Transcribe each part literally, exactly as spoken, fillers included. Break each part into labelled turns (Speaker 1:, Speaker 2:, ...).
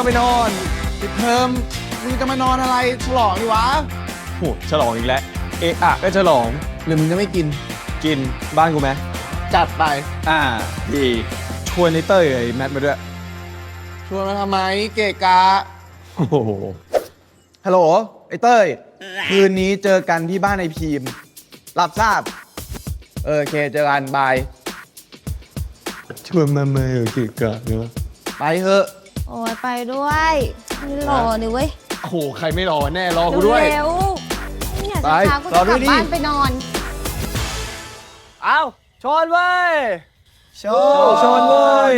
Speaker 1: ไปนอน
Speaker 2: ปิดเทอมมึงจะมานอนอะไรฉลองดิวะ
Speaker 1: โหฉลองอีกแล้วเอะอะก็ฉลอง
Speaker 2: หรือมึงจะไม่กิน
Speaker 1: กินบ้านกูไหม
Speaker 2: จัดไป
Speaker 1: อ่าดีชวนไอ้เต้ยไอ้แมทมาด้วย
Speaker 2: ชวนมาทำไมเกะกะ
Speaker 1: โอ้โหฮัลโหลไอ้เต้ยคืนนี้เจอกันที่บ้านไอ้พีมรับทราบเออโอเคเจอกันบายชวนมาเมื่อเกะกะเนาะไปเถอะ
Speaker 3: โอ้ยไปด้วยไม่รอดิเว้ย
Speaker 1: โอ้โหใครไม่รอแน่รอกูด้วย
Speaker 3: เร็วๆเนี่ยจะพากูจะกลับบ้านไปนอน
Speaker 1: เอาชนเว้ยชนชนเว้ย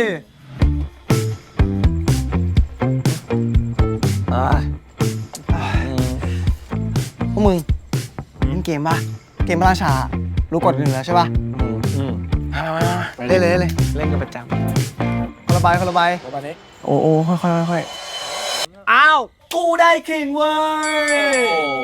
Speaker 4: พวกมึงเล่นเกมป่ะเกมพระราชารู้กฎกันอยู่แล้วใช่ป่ะเล่นเลยเลย
Speaker 1: เล่นกันประจ
Speaker 4: ำคนละใบคนละใบโอ้โอ้ค่อยค่อยค่อย
Speaker 1: อ้าวกูได้คิงเว้ย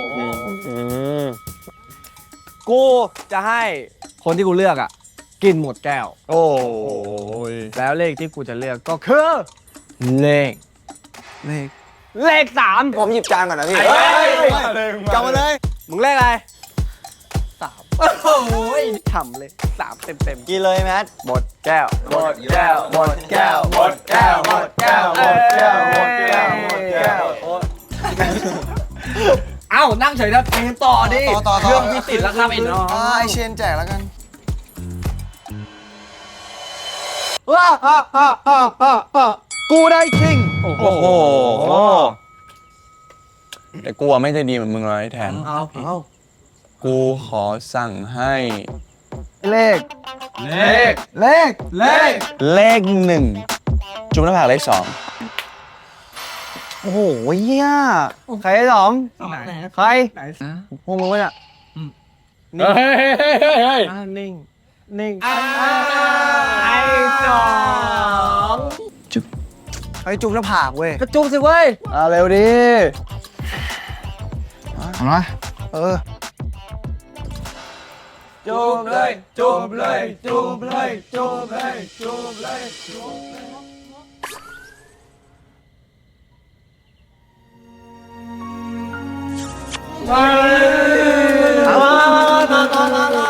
Speaker 1: กูจะให้คนที่กูเลือกอ่ะกินหมดแก้วโอ้ยแล้วเลขที่กูจะเลือกก็คือเลข
Speaker 4: เลข
Speaker 1: เลขสาม
Speaker 4: ผมหยิบจานก่อนนะพี่จำมาเลย
Speaker 1: มึงเลขอะไรสามโอ้ยฉ่ำเลยสามเต็มเต็ม
Speaker 4: กินเลยแมท
Speaker 1: หมดแก้วหมดแก้วหมดแก้วหมดแก้วหมดแก้วหมดแก้วหมดแก้วหมดแก้วเอ้านั่งเฉยนะเพลงต่อดิเครื่องที่ติดแล้วครับไอ้น้อง
Speaker 4: ไอเชนแจกแล้วกัน
Speaker 1: ว้าฮ่าฮ่าฮ่าฮ่ากูได้คิง
Speaker 5: โอ้โหแต่กูไม่ได้ดีเหมือนมึงเลยแทน
Speaker 1: เอาเอา
Speaker 5: กูขอสั่งให้
Speaker 1: เลขเลขเลขเลข
Speaker 5: เลขหนึ่งจุ่มหน้าผากเลขสอง
Speaker 4: โอ้โหเฮียใครได้สองใครพวกมึงวะเนี่ย
Speaker 1: เฮ้ยเฮ้ยเฮ้ยเฮ้ยนิ่งนิ่งไอ้สอง
Speaker 4: จุ๊บไอ้จุ๊บหน้าผากเว้ย
Speaker 1: ก็จุ๊บสิเว้ย
Speaker 4: อ่าเร็วดิเอาละเออ
Speaker 1: จูบเลยจูบเลยจูบเลยจูบเลยจูบเลยจูบเลยเอามามามามามามามา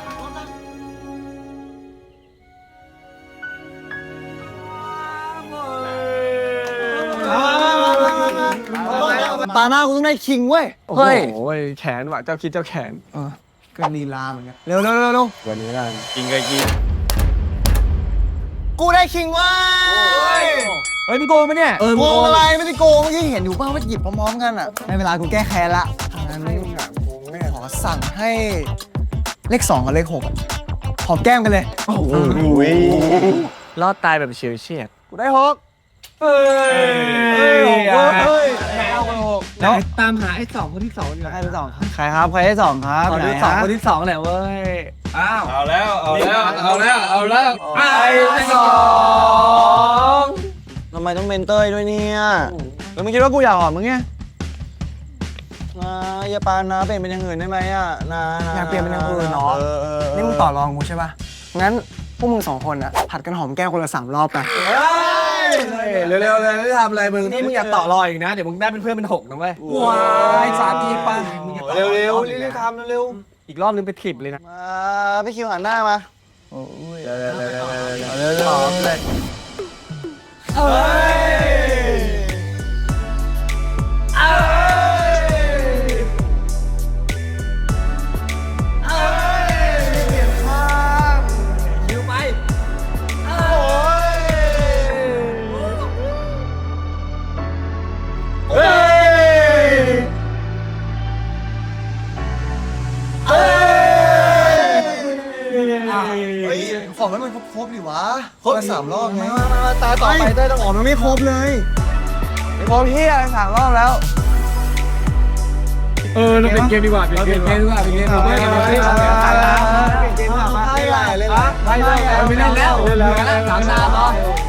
Speaker 4: ตาหน้ากูต้องได้คิงเว้ย
Speaker 1: เฮ้ยโอ้ยแขนว่ะเจ้าคิดเจ้าแขน
Speaker 4: เออก็ลีลาเหมือนกันเร็วเร็วเร็วเร็ว
Speaker 1: วันนี้กันกินกันกิน
Speaker 4: กูได้คิงเว้ย
Speaker 1: เฮ้ยมึงโกงไหมเนี่ย
Speaker 4: โกงอะไรไม่ได้โกงเมื่อกี้เห็นอยู่ป่าวว่าหยิบพร้อมๆกันอ่ะในเวลากูแก้แค้นละงั้นขอสั่งให้เลขสองกับเลขหกหอมแก้มกันเลย
Speaker 1: โอ้โหรอดตายแบบเฉียดเฉียด
Speaker 4: กูได้หก
Speaker 1: เฮ้ยหกเฮ้ยเอาไปหก
Speaker 4: แล้ว
Speaker 1: ตามหาไอ้สองคนที่สองอยู่
Speaker 4: ใครที่สองใครครับใครที่สองครับ
Speaker 1: คนที่สองคนที่สองแหละเว้ย
Speaker 5: อ้าวเอาแล้วเอาแล้วเอาแล้วเอาแล้ว
Speaker 1: ไอ้สอง
Speaker 4: ทำไมต้องเมนเตอร์ด้วยเนี่ยแล้วมึงคิดว่ากูอยากหอมมึงไงนะอย่าปานนะเปลี่ยนเป็นอย่างอื่นได้ไหมอ่ะนะอยากเปลี่ยนเป็นอย่างอื่นเนาะนี่มึงต่อรองกูใช่ป่ะงั้นพวกมึงสองคนอ่ะผัดกันหอมแก้วคนละสามรอบไป
Speaker 1: เร็วๆเลยไม่ทำอะไรมึงนี่มึงอย่าต่อรออีกนะเดี๋ยวมึงได้เป็นเพื่อนเป็นหกนะเว้ยว้ายสาธิตป่ะ
Speaker 4: เร็วๆเร็วๆทำเร็ว
Speaker 1: ๆอีกรอบนึงไปถิบเลยนะ
Speaker 4: มาพี่คิวหันหน้ามาโอ้ยเร็วๆเร็วๆเร็วๆหอมเลยเฮ้ยเอ้ยเอ้ยเปลี่ยนข้าง
Speaker 1: คิวไป
Speaker 4: โอ้ยเฮ้ยเฮ้ยขอให้มันครบๆดิวะครบสามรอบไงตาต่อไปได้ต้องออกมันไม่ครบเลยไม่ครบเฮียสามรอบแล้ว
Speaker 1: เออเราเป็นเกมดีกว่าเป็นเกมดีกว่าเป็นเกมดีกว่าเป็นเกมดีกว่าเป็นเกมดีกว่า
Speaker 4: ไม่ไหลเลย
Speaker 1: ไม่ไหลไม่เล่นแล้วเหลือแล้วสามดาวเนาะ